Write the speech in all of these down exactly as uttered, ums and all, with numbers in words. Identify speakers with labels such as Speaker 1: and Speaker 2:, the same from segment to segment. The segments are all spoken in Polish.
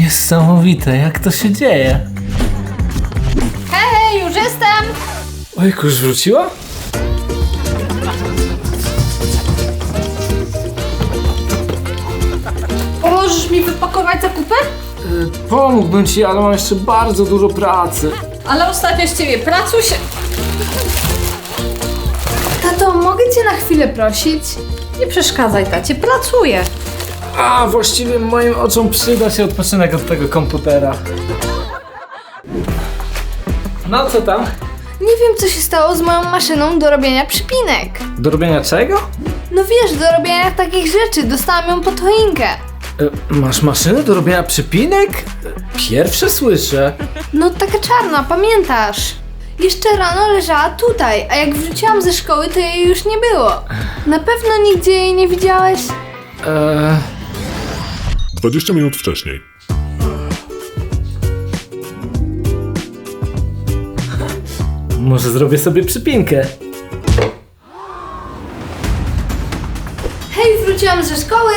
Speaker 1: Niesamowite, jak to się dzieje.
Speaker 2: Hej, już jestem!
Speaker 1: Ojku, już wróciła?
Speaker 2: Pomożesz mi wypakować zakupy?
Speaker 1: Yy, pomógłbym ci, ale mam jeszcze bardzo dużo pracy.
Speaker 2: Ale ostatnio z ciebie pracuś. Tato, mogę cię na chwilę prosić? Nie przeszkadzaj, tacie, pracuję.
Speaker 1: A, właściwie moim oczom przyda się odpoczynek od tego komputera. No, co tam?
Speaker 3: Nie wiem, co się stało z moją maszyną do robienia przypinek.
Speaker 1: Do robienia czego?
Speaker 3: No wiesz, do robienia takich rzeczy. Dostałam ją pod choinkę.
Speaker 1: Yy, masz maszynę do robienia przypinek? Yy, Pierwsze słyszę.
Speaker 3: No taka czarna, pamiętasz? Jeszcze rano leżała tutaj, a jak wróciłam ze szkoły, to jej już nie było. Na pewno nigdzie jej nie widziałeś?
Speaker 1: Eee...
Speaker 4: dwadzieścia minut wcześniej.
Speaker 1: Może zrobię sobie przypinkę.
Speaker 3: Hej, wróciłam ze szkoły.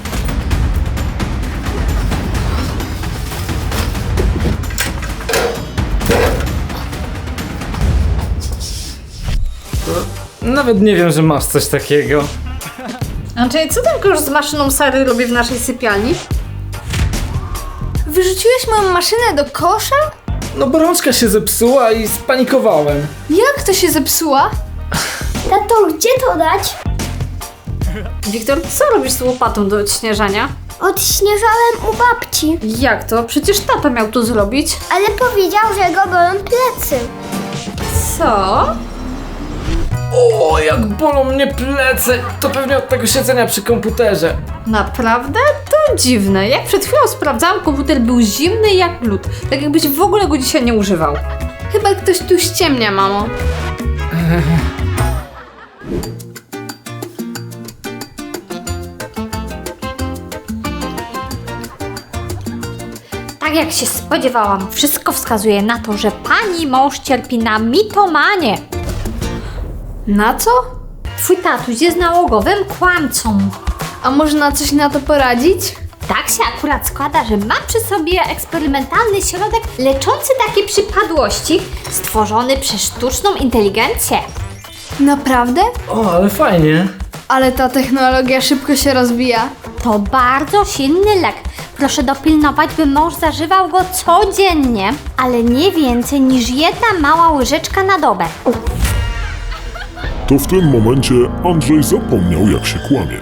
Speaker 1: Nawet nie wiem, że masz coś takiego.
Speaker 2: Andrzej, co ten kosz z maszyną Sary robi w naszej sypialni?
Speaker 3: Wyrzuciłeś moją maszynę do kosza?
Speaker 1: No bo rączka się zepsuła i spanikowałem.
Speaker 3: Jak to się zepsuła?
Speaker 5: Tato, gdzie to dać?
Speaker 2: Wiktor, co robisz z łopatą do odśnieżania?
Speaker 5: Odśnieżałem u babci,
Speaker 2: Jak to? Przecież tata miał to zrobić.
Speaker 5: ale powiedział, że go bolą plecy.
Speaker 2: Co?
Speaker 1: O, jak bolą mnie plecy! To pewnie od tego siedzenia przy komputerze.
Speaker 2: Naprawdę? To dziwne. Jak przed chwilą sprawdzałam, komputer był zimny jak lód. Tak jakbyś w ogóle go dzisiaj nie używał.
Speaker 3: Chyba ktoś tu ściemnia, mamo.
Speaker 6: Tak jak się spodziewałam, wszystko wskazuje na to, że pani mąż cierpi na mitomanię.
Speaker 3: Na co?
Speaker 6: Twój tatuś jest nałogowym kłamcą.
Speaker 3: A można coś na to poradzić?
Speaker 6: Tak się akurat składa, że mam przy sobie eksperymentalny środek leczący takie przypadłości, stworzony przez sztuczną inteligencję.
Speaker 3: Naprawdę?
Speaker 1: O, ale fajnie.
Speaker 3: Ale ta technologia szybko się rozwija.
Speaker 6: To bardzo silny lek. Proszę dopilnować, by mąż zażywał go codziennie, ale nie więcej niż jedna mała łyżeczka na dobę.
Speaker 4: To w tym momencie Andrzej zapomniał, jak się kłamie.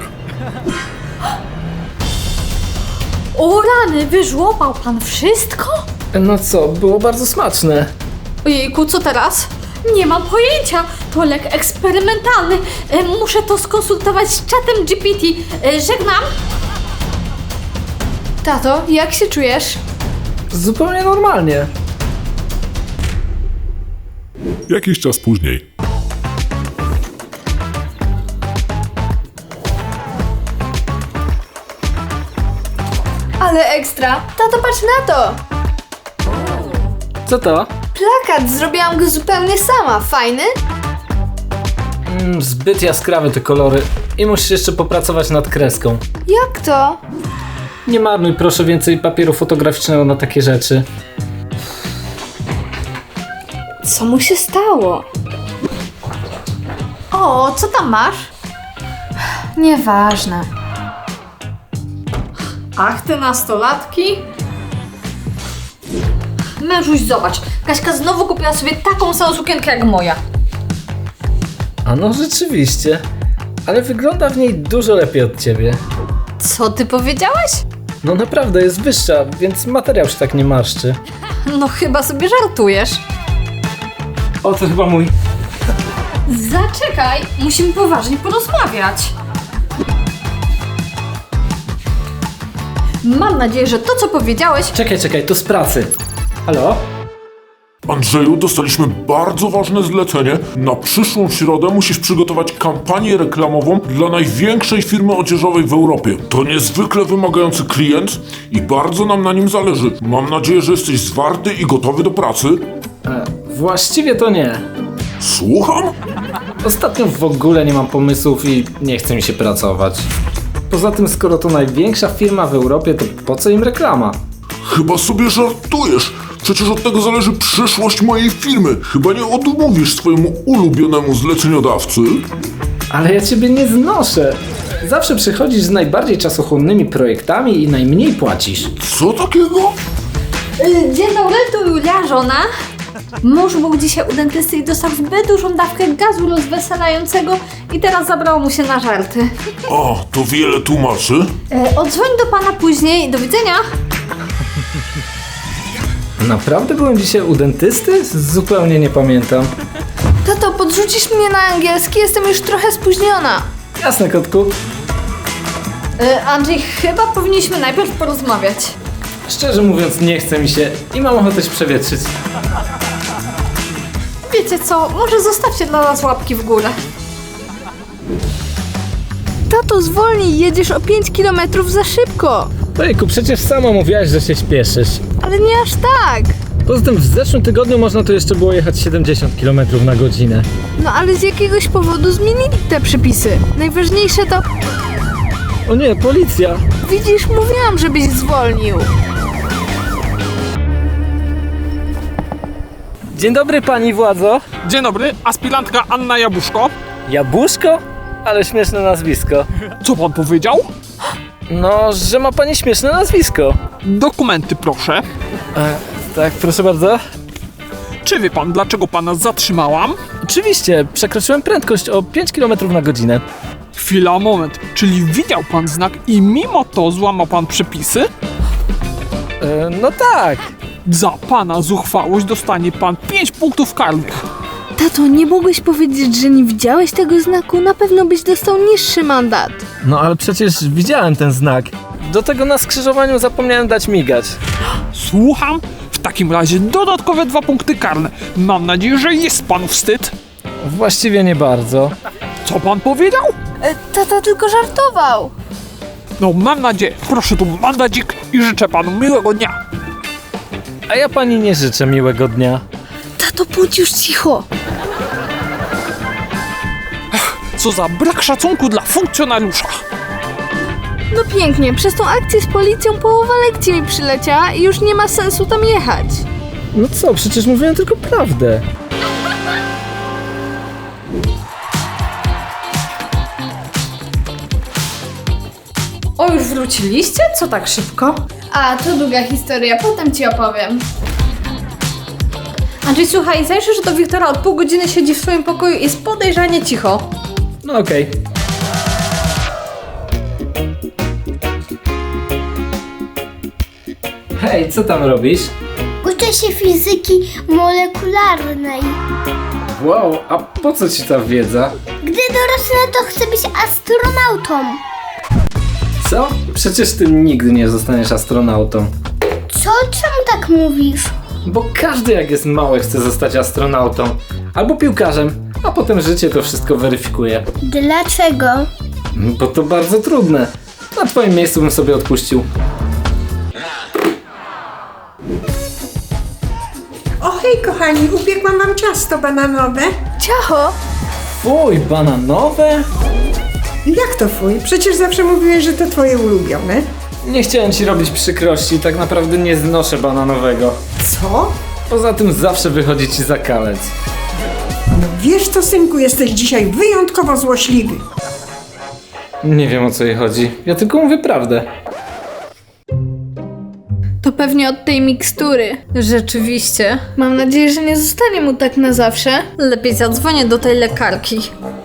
Speaker 6: O rany, wyżłopał pan wszystko?
Speaker 1: No co, było bardzo smaczne.
Speaker 2: Ojejku, co teraz? Nie mam pojęcia. To lek eksperymentalny. E, Muszę to skonsultować z czatem G P T. E, Żegnam.
Speaker 3: Tato, jak się czujesz?
Speaker 1: Zupełnie normalnie.
Speaker 4: Jakiś czas później.
Speaker 3: Ale ekstra. Tato, patrz na to.
Speaker 1: Co to?
Speaker 3: Plakat, zrobiłam go zupełnie sama. Fajny?
Speaker 1: Mm, zbyt jaskrawe te kolory. I musisz jeszcze popracować nad kreską.
Speaker 3: Jak to?
Speaker 1: Nie marnuj proszę więcej papieru fotograficznego na takie rzeczy.
Speaker 3: Co mu się stało?
Speaker 2: O, co tam masz?
Speaker 3: Nieważne.
Speaker 2: Ach, te nastolatki. Mężuś, zobacz. Kaśka znowu kupiła sobie taką samą sukienkę jak moja.
Speaker 1: A no rzeczywiście. Ale wygląda w niej dużo lepiej od ciebie.
Speaker 2: Co ty powiedziałeś?
Speaker 1: No naprawdę jest wyższa, więc materiał się tak nie marszczy.
Speaker 2: No chyba sobie żartujesz.
Speaker 1: O, to chyba mój.
Speaker 2: Zaczekaj, musimy poważnie porozmawiać. Mam nadzieję, że to, co powiedziałeś...
Speaker 1: Czekaj, czekaj, to z pracy. Halo?
Speaker 4: Andrzeju, dostaliśmy bardzo ważne zlecenie. Na przyszłą środę musisz przygotować kampanię reklamową dla największej firmy odzieżowej w Europie. To niezwykle wymagający klient i bardzo nam na nim zależy. Mam nadzieję, że jesteś zwarty i gotowy do pracy.
Speaker 1: E, właściwie to nie.
Speaker 4: Słucham?
Speaker 1: Ostatnio w ogóle nie mam pomysłów i nie chce mi się pracować. Poza tym, skoro to największa firma w Europie, to po co im reklama?
Speaker 4: Chyba sobie żartujesz. Przecież od tego zależy przyszłość mojej firmy. Chyba nie odmówisz swojemu ulubionemu zleceniodawcy?
Speaker 1: Ale ja ciebie nie znoszę. Zawsze przychodzisz z najbardziej czasochłonnymi projektami i najmniej płacisz.
Speaker 4: Co takiego?
Speaker 2: Y, Dzień dobry, tu Julia, żona. Mąż był dzisiaj u dentysty i dostał zbyt dużą dawkę gazu rozweselającego i teraz zabrało mu się na żarty.
Speaker 4: O, to wiele tłumaczy.
Speaker 2: Y, Odzwoń do pana później, do widzenia.
Speaker 1: Naprawdę byłem dzisiaj u dentysty? Zupełnie nie pamiętam.
Speaker 3: Tato, podrzucisz mnie na angielski? Jestem już trochę spóźniona.
Speaker 1: Jasne, kotku.
Speaker 2: Y, Andrzej, chyba powinniśmy najpierw porozmawiać.
Speaker 1: Szczerze mówiąc, nie chce mi się i mam ochotę się przewietrzyć.
Speaker 2: Wiecie co, może zostawcie dla nas łapki w górę.
Speaker 3: Tato, zwolnij, jedziesz o pięć kilometrów za szybko.
Speaker 1: Ojku, przecież sama mówiłaś, że się śpieszysz.
Speaker 3: Ale nie aż tak.
Speaker 1: Poza tym w zeszłym tygodniu można tu jeszcze było jechać siedemdziesiąt kilometrów na godzinę.
Speaker 3: No ale z jakiegoś powodu zmienili te przepisy. Najważniejsze to...
Speaker 1: O nie, policja!
Speaker 3: Widzisz, mówiłam, żebyś zwolnił.
Speaker 1: Dzień dobry, pani władzo.
Speaker 7: Dzień dobry, aspirantka Anna Jabłuszko.
Speaker 1: Jabłuszko? Ale śmieszne nazwisko.
Speaker 7: Co pan powiedział?
Speaker 1: No, że ma pani śmieszne nazwisko.
Speaker 7: Dokumenty proszę.
Speaker 1: E, tak, proszę bardzo.
Speaker 7: Czy wie pan, dlaczego pana zatrzymałam?
Speaker 1: Oczywiście, przekroczyłem prędkość o pięć kilometrów na godzinę.
Speaker 7: Chwila, moment. Czyli widział pan znak i mimo to złamał pan przepisy?
Speaker 1: E, no tak.
Speaker 7: Za pana zuchwałość dostanie pan pięć punktów karnych.
Speaker 3: Tato, nie mogłeś powiedzieć, że nie widziałeś tego znaku? Na pewno byś dostał niższy mandat.
Speaker 1: No ale przecież widziałem ten znak. Do tego na skrzyżowaniu zapomniałem dać migać.
Speaker 7: Słucham? W takim razie dodatkowe dwa punkty karne. Mam nadzieję, że jest panu wstyd.
Speaker 1: Właściwie nie bardzo.
Speaker 7: Co pan powiedział?
Speaker 3: E, tata tylko żartował.
Speaker 7: No mam nadzieję. Proszę tu mandacik i życzę panu miłego dnia.
Speaker 1: A ja pani nie życzę miłego dnia.
Speaker 3: Tato, bądź już cicho.
Speaker 7: Co za brak szacunku dla funkcjonariusza.
Speaker 3: No pięknie, przez tą akcję z policją połowa lekcji mi przyleciała i już nie ma sensu tam jechać.
Speaker 1: No co, przecież mówiłem tylko prawdę.
Speaker 2: O, już wróciliście? Co tak szybko?
Speaker 3: A, to długa historia, potem ci opowiem.
Speaker 2: Andrzej, słuchaj, zajrzysz do Wiktora, od pół godziny siedzi w swoim pokoju i jest podejrzanie cicho.
Speaker 1: No okej. Hej, co tam robisz?
Speaker 5: Uczę się fizyki molekularnej.
Speaker 1: Wow, a po co ci ta wiedza?
Speaker 5: Gdy dorosnę, to chcę być astronautą.
Speaker 1: Co? Przecież ty nigdy nie zostaniesz astronautą.
Speaker 5: Co? Czemu tak mówisz?
Speaker 1: Bo każdy jak jest mały chce zostać astronautą. Albo piłkarzem, a potem życie to wszystko weryfikuje.
Speaker 5: Dlaczego?
Speaker 1: Bo to bardzo trudne. Na twoim miejscu bym sobie odpuścił.
Speaker 8: O hej kochani, upiekłam wam ciasto bananowe.
Speaker 3: Ciacho!
Speaker 1: Fuj, bananowe?
Speaker 8: Jak to fuj? Przecież zawsze mówiłeś, że to twoje ulubione.
Speaker 1: Nie chciałem ci robić przykrości, tak naprawdę nie znoszę bananowego.
Speaker 8: Co?
Speaker 1: Poza tym zawsze wychodzi ci za kalec.
Speaker 8: No wiesz co, synku, jesteś dzisiaj wyjątkowo złośliwy.
Speaker 1: Nie wiem o co jej chodzi, ja tylko mówię prawdę.
Speaker 3: To pewnie od tej mikstury.
Speaker 2: Rzeczywiście.
Speaker 3: Mam nadzieję, że nie zostanie mu tak na zawsze.
Speaker 2: Lepiej zadzwonię do tej lekarki.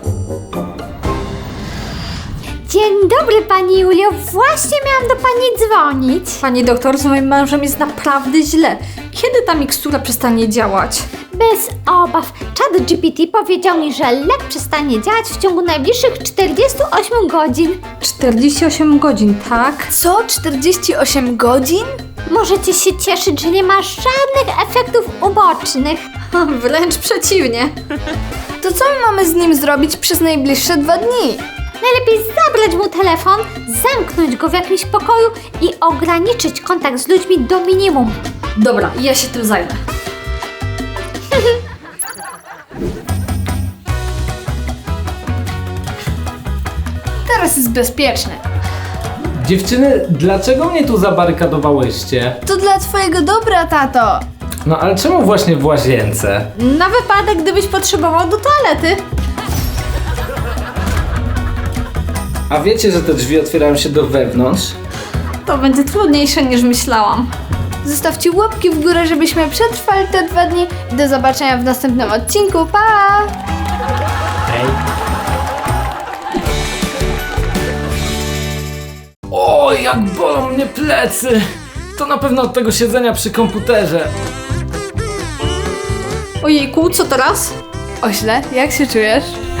Speaker 6: Dzień dobry, pani Julio. Właśnie miałam do pani dzwonić.
Speaker 2: Pani doktor, z moim mężem jest naprawdę źle. Kiedy ta mikstura przestanie działać?
Speaker 6: Bez obaw. Chat G P T powiedział mi, że lek przestanie działać w ciągu najbliższych czterdziestu ośmiu godzin.
Speaker 2: czterdzieści osiem godzin, tak?
Speaker 3: Co? czterdzieści osiem godzin?
Speaker 6: Możecie się cieszyć, że nie ma żadnych efektów ubocznych.
Speaker 2: Wręcz przeciwnie.
Speaker 3: To co my mamy z nim zrobić przez najbliższe dwa dni?
Speaker 6: Najlepiej zabrać mu telefon, zamknąć go w jakimś pokoju i ograniczyć kontakt z ludźmi do minimum.
Speaker 2: Dobra, ja się tym zajmę.
Speaker 3: Teraz jest bezpieczne.
Speaker 1: Dziewczyny, dlaczego mnie tu zabarykadowałyście?
Speaker 3: To dla twojego dobra, tato.
Speaker 1: No ale czemu właśnie w łazience?
Speaker 2: Na wypadek, gdybyś potrzebował do toalety.
Speaker 1: A wiecie, że te drzwi otwierają się do wewnątrz?
Speaker 2: To będzie trudniejsze niż myślałam.
Speaker 3: Zostawcie łapki w górę, żebyśmy przetrwali te dwa dni. I do zobaczenia w następnym odcinku. Pa!
Speaker 1: O, jak bolą mnie plecy! To na pewno od tego siedzenia przy komputerze.
Speaker 2: Ojejku, co teraz?
Speaker 3: Ośle, jak się czujesz?